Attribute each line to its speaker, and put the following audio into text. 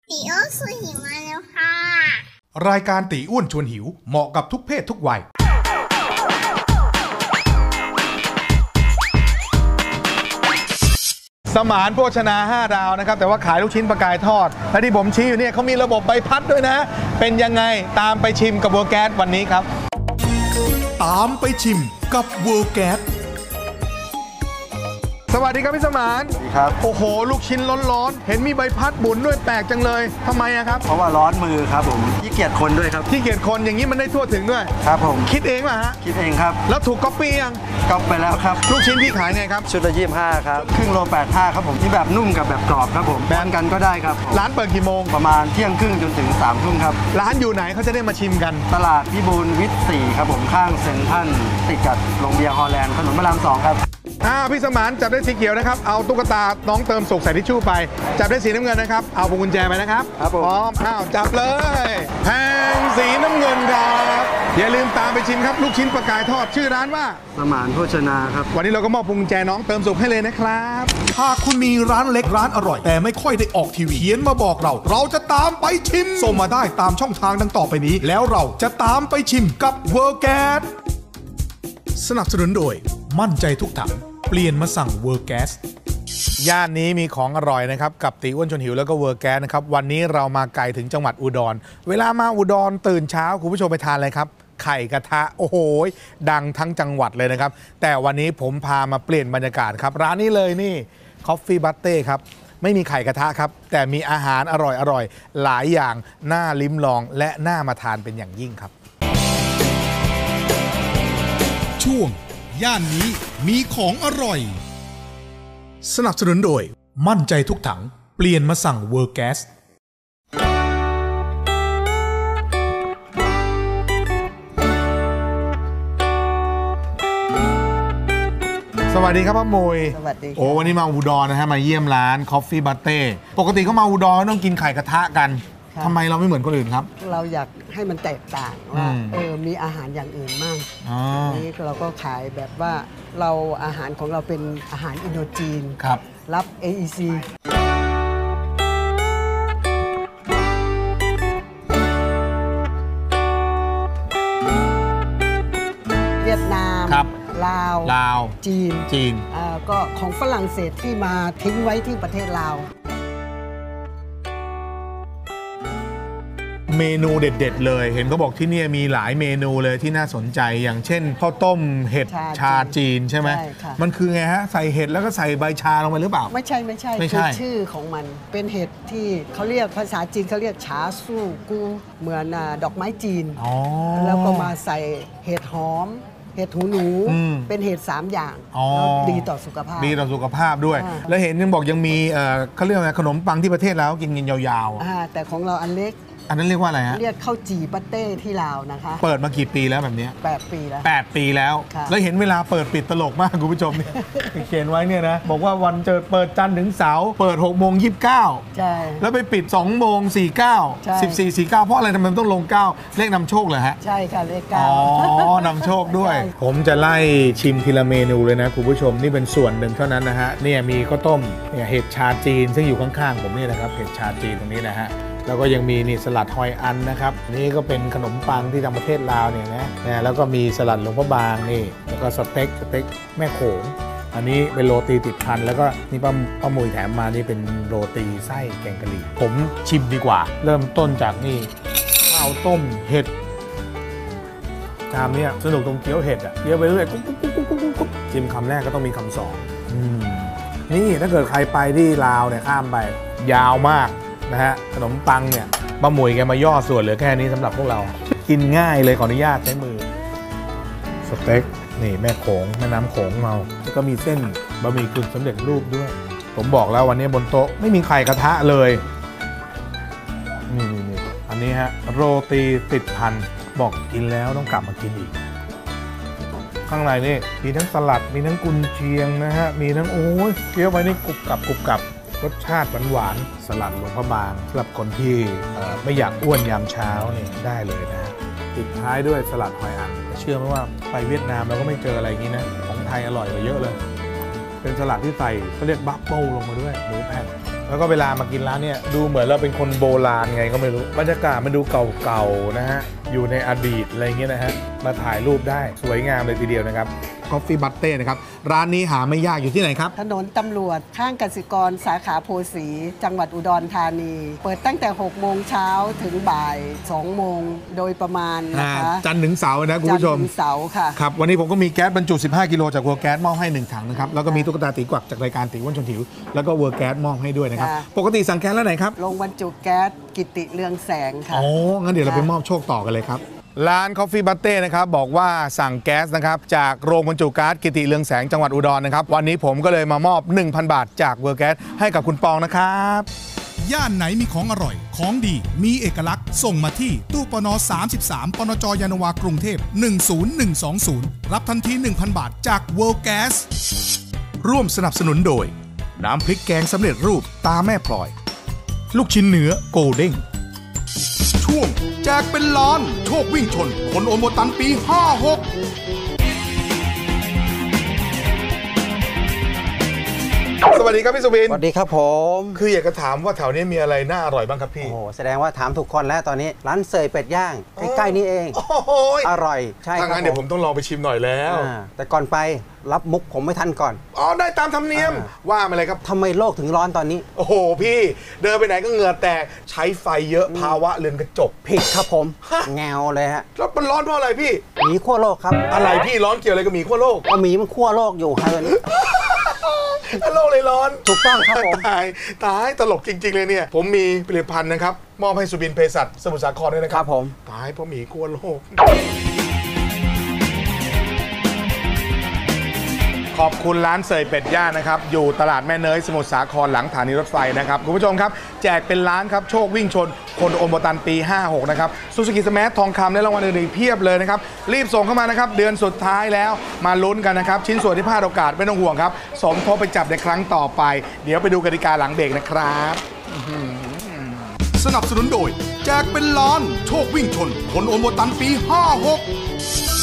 Speaker 1: ตีอ้วนชวนหิวมาแล้วค่ะ
Speaker 2: รายการตีอ้วนชวนหิวเหมาะกับทุกเพศทุกวัยสมานโภชนา5ดาวนะครับแต่ว่าขายลูกชิ้นปลากายทอดและที่ผมชี้อยู่เนี่ยเขามีระบบใบพัดด้วยนะเป็นยังไงตามไปชิมกับเวอร์แก๊สวันนี้ครับตามไปชิมกับเวอร์แก๊สสวัสดีครับพี่สมาน
Speaker 3: สวัสดีครับ
Speaker 2: โอ้โหลูกชิ้นร้อนๆเห็นมีใบพัดบุนด้วยแปลกจังเลยทำไมอะครับ
Speaker 3: เพราะว่าร้อนมือครับผมขี้เกียจคนด้วยครับ
Speaker 2: ขี้เกียจคนอย่างนี้มันได้ทั่วถึงด้วย
Speaker 3: ครับผม
Speaker 2: คิดเองป่ะฮะ
Speaker 3: คิดเองครับ
Speaker 2: แล้วถูกก๊อปปี้ยัง
Speaker 3: ก๊อปไปแล้วครับ
Speaker 2: ลูกชิ้นพี่ขายไงครับ
Speaker 3: ชุดละ25ครับครึ่งโล85ครับผมที่แบบนุ่มกับแบบกรอบครับผมแบ่งกันก็ได้ครับ
Speaker 2: ร้านเปิดกี่โมง
Speaker 3: ประมาณเที่ยงครึ่งจนถึง3 ทุ่มครับ
Speaker 2: ร้านอยู่ไหนเขาจะได้มาชิมกัน
Speaker 3: ตลาดพิบูลวิทย์4ครับผมข้างเซ็นทรัลติดกับโรงเบียร์ฮอลแลนด์ถนนพระราม2ครับ
Speaker 2: พี่สมานจับได้สีเขียวนะครับเอาตุ๊กตาน้องเติมสุกใส่ทิชชู่ไปจับได้สีน้ำเงินนะครับเอาพวงกุญแจไปนะครับ
Speaker 3: ครับผม
Speaker 2: พร้อมจับเลยแพงสีน้ำเงินครับอย่าลืมตามไปชิมครับลูกชิ้นปลากายทอดชื่อร้านว่า
Speaker 3: สมานโภชนาครับ
Speaker 2: วันนี้เราก็มอบพวงกุญแจน้องเติมสุกให้เลยนะครับ
Speaker 4: หากคุณมีร้านเล็กร้านอร่อยแต่ไม่ค่อยได้ออกทีวีเขียนมาบอกเราจะตามไปชิมส่งมาได้ตามช่องทางดังต่อไปนี้แล้วเราจะตามไปชิมกับเวอร์แก๊สสนับสนุนโดยมั่นใจทุกถังเปลี่ยนมาสั่งเวอร์แก๊ส
Speaker 2: ย่านนี้มีของอร่อยนะครับกับตีอ้วนชวนหิวแล้วก็เวอร์แก๊สนะครับวันนี้เรามาไกลถึงจังหวัดอุดรเวลามาอุดรตื่นเช้าคุณผู้ชมไปทานอะไรครับไข่กระทะโอ้โหดังทั้งจังหวัดเลยนะครับแต่วันนี้ผมพามาเปลี่ยนบรรยากาศครับร้านนี้เลยนี่ Coffee Butte ครับไม่มีไข่กระทะครับแต่มีอาหารอร่อยหลายอย่างน่าลิ้มลองและน่ามาทานเป็นอย่างยิ่งครับ
Speaker 4: ช่วงย่านนี้มีของอร่อยสนับสนุนโดยมั่นใจทุกถังเปลี่ยนมาสั่งเวอร์แก๊ส
Speaker 2: สวัสดีครับป้ามุย
Speaker 5: สวัสดี
Speaker 2: โอ้วันนี้มาอุดรนะฮะมาเยี่ยมร้าน Coffee Butte ปกติเขามาอุดรต้องกินไข่กระทะกันทำไมเราไม่เหมือนคนอื่นครับ
Speaker 5: เราอยากให้มันแตกต่างว่ามีอาหารอย่างอื่นมั่งนี่เราก็ขายแบบว่าเราอาหารของเราเป็นอาหารอินโดจีนรับ AEC เวียดนามลาวจีนก็ของฝรั่งเศสที่มาทิ้งไว้ที่ประเทศลาว
Speaker 2: เมนูเด็ดๆเลยเห็นเขาบอกที่นี่มีหลายเมนูเลยที่น่าสนใจอย่างเช่นข้าวต้มเห็ดชาจีนใช่ไหมมันคือไงฮะใส่เห็ดแล้วก็ใส่ใบชาลงไปหรือเปล่า
Speaker 5: ไม่ใช่คือชื่อของมันเป็นเห็ดที่เขาเรียกภาษาจีนเขาเรียกฉาสู้กูเหมือนดอกไม้จีนแล้วก็มาใส่เห็ดหอมเห็ดหูหนูเป็นเห็ด3 อย่างดีต่อสุขภาพ
Speaker 2: ด้วยแล้วเห็นยังบอกยังมีเขาเรียกอะไรขนมปังที่ประเทศแล้วกินยาว
Speaker 5: ๆแต่ของเราอันเล็ก
Speaker 2: อันนั้นเรียกว่าอะไรฮะ
Speaker 5: เรียกข้าวจี่ปัตเต้ที่ลาวนะคะ
Speaker 2: เปิดมากี่ปีแล้วแบบนี้
Speaker 5: 8 ปีแล้ว
Speaker 2: 8 ปีแล้วแล้วเห็นเวลาเปิดปิดตลกมากคุณผู้ชมเนี่ยเขียนไว้เนี่ยนะบอกว่าวันเปิดจันทร์ถึงเสาร์เปิด6:29ใช่แล้วไปปิด2:49 14:49เพราะอะไรทำไมต้องลง9เลขนำโชคเหรอฮะ
Speaker 5: ใช่ค่ะเลข
Speaker 2: 9นำโชคด้วยผมจะไล่ชิมทีละเมนูเลยนะคุณผู้ชมนี่เป็นส่วนหนึ่งเท่านั้นนะฮะเนี่ยมีข้าวต้มเนี่ยเห็ดชาจีนซึ่งอยู่ข้างๆผมนี่นะครับเห็ดชาจีนตรงนี้นะฮะแล้วก็ยังมีนี่สลัดหอยอันนะครับนี่ก็เป็นขนมปังที่ทางประเทศลาวเนี่ยนะแล้วก็มีสลัดหลวงพระบางนี่แล้วก็สเต็กแม่โขงอันนี้เป็นโรตีติดพันแล้วก็นี่ป้ามุยแถมมานี่เป็นโรตีไส้แกงกะหรี่ผมชิมดีกว่าเริ่มต้นจากนี่ข้าวต้มเห็ดชามนี้สนุกตรงเคี้ยวเห็ดอ่ะเคี้ยวไปเรื่อยกุ๊บชิมคำแรกก็ต้องมีคำสองนี่ถ้าเกิดใครไปที่ลาวเนี่ยข้ามไปยาวมากนะฮะขนมปังเนี่ยป้าหมวยแกมาย่อส่วนเหลือแค่นี้สำหรับพวกเรากินง่ายเลยขออนุญาตใช้มือสเต็กนี่แม่น้ำโขงเราแล้วก็มีเส้นบะหมี่กึ่งสำเร็จรูปด้วยผมบอกแล้ววันนี้บนโต๊ะไม่มีไข่กระทะเลยนี่อันนี้ฮะโรตีติดพันบอกกินแล้วต้องกลับมากินอีกข้างในนี่มีทั้งสลัดมีทั้งกุนเชียงนะฮะมีทั้งโอ้ยเคี้ยวไปนี่กรุบกรับรสชาติหวานสลัดหลวงพระบางสำหรับคนที่ไม่อยากอ้วนยามเช้านี่ได้เลยนะปิดท้ายด้วยสลัดหอยอั๋นเชื่อไหมว่าไปเวียดนามเราก็ไม่เจออะไรอย่างนี้นะของไทยอร่อยกว่าเยอะเลยเป็นสลัดที่ใส่เขาเรียกบัฟเฟิลลงมาด้วยหมูแผ่นแล้วก็เวลามากินร้านเนี่ยดูเหมือนเราเป็นคนโบราณไงก็ไม่รู้บรรยากาศมันดูเก่าๆนะฮะอยู่ในอดีตอะไรเงี้ยนะฮะมาถ่ายรูปได้สวยงามเลยทีเดียวนะครับ Coffee Butte นะครับร้านนี้หาไม่ยากอยู่ที่ไหนครับ
Speaker 5: ถนนตำรวจข้างกสิกรสาขาโพสีจังหวัดอุดรธานี เปิดตั้งแต่6 โมงเช้าถึงบ่าย2 โมงโดยประมาณนะคะ
Speaker 2: จันทร์ถึงเสาร์นะคุณผู้ชม
Speaker 5: จันทร์ถึงเสาร์ค่ะ
Speaker 2: ครับวันนี้ผมก็มีแก๊สบรรจุ15 กิโลจากเวอร์แก๊สมอบให้1 ถังนะครับแล้วก็มีตุ๊กตาตีกวักจากรายการตีอ้วนชวนหิวแล้วก็เวอร์แก๊สมอบให้ด้วยนะครับปกติสั่งแก๊สแล้วไหนครับ
Speaker 5: ลงบรรจุแก๊สกิติเรืองแสงค่ะ
Speaker 2: อ๋องั้นเดี๋ยวเราไปมอบโชคต่อกันเลยครับร้าน Coffee Butte นะครับบอกว่าสั่งแก๊สนะครับจากโรงบรรจุก๊าซกิติเรืองแสงจังหวัดอุดรนะครับวันนี้ผมก็เลยมามอบ 1,000 บาทจากเวอร์แก๊สให้กับคุณปองนะครับ
Speaker 4: ย่านไหนมีของอร่อยของดีมีเอกลักษณ์ส่งมาที่ตู้ปน33ปนจยานนาวากรุงเทพ10120รับทันที 1,000 บาทจาก World Gas ร่วมสนับสนุนโดยน้ำพริกแกงสำเร็จรูปตาแม่พลอยลูกชิ้นเนื้อโกลเด้งช่วงแจกเป็นล้านโชควิ่งชนคนโอโมตันปี 56
Speaker 2: สวัสดีครับพี่สุบิน
Speaker 3: สวัสดีครับผม
Speaker 2: คืออยากจะถามว่าแถวนี้มีอะไรน่าอร่อยบ้างครับพี่
Speaker 3: โอ้โหแสดงว่าถามถูกคนแล้วตอนนี้ร้านเสยเป็ดย่างใกล้ๆนี่เอง
Speaker 2: โอ้โห
Speaker 3: อร่อยใช่ครับ
Speaker 2: งั้นเดี๋ยวผมต้องลองไปชิมหน่อยแล้ว
Speaker 3: แต่ก่อนไปรับมุกผมไม่ทันก่อน
Speaker 2: อ๋อได้ตามธรรมเนียมว่ามาเลยครับ
Speaker 3: ทำไมโลกถึงร้อนตอนนี้
Speaker 2: โอ้โหพี่เดินไปไหนก็เหงื่อแตกใช้ไฟเยอะภาวะเรือนกระจก
Speaker 3: ผิดครับผมแงวเลยฮะ
Speaker 2: แล้วมันร้อนเพราะอะไรพี่
Speaker 3: หมีขั้วโลกครับ
Speaker 2: อะไรพี่ร้อนเกี่ยวอะไรกับหมีขั้วโลก
Speaker 3: ก็หมีมันขั้วโลกอยู่ฮะ
Speaker 2: โลกเลยร้อน
Speaker 3: ถูกต้องครับผม
Speaker 2: ตายตลกจริงๆเลยเนี่ยผมมีผลิตภัณฑ์นะครับมอบให้สุบินเภสัชสมุทรสาครด้วยนะครับ
Speaker 3: ผม
Speaker 2: ตายเพราะหมีขั้วโลกขอบคุณร้านเสยเป็ดย่างนะครับอยู่ตลาดแม่เนยสมุทรสาครหลังสถานีรถไฟนะครับคุณผู้ชมครับแจกเป็นล้านครับโชควิ่งชนคนโอมตันปี 56นะครับซูซูกิสมาร์ททองคำและรางวัลอื่นๆเพียบเลยนะครับรีบส่งเข้ามานะครับเดือนสุดท้ายแล้วมาลุ้นกันนะครับชิ้นส่วนที่พลาดโอกาสไม่ต้องห่วงครับสมทบไปจับในครั้งต่อไปเดี๋ยวไปดูกติกาหลังเบรกนะครับ
Speaker 4: สนับสนุนโดยแจกเป็นล้านโชควิ่งชนคนโอโมตันปี 56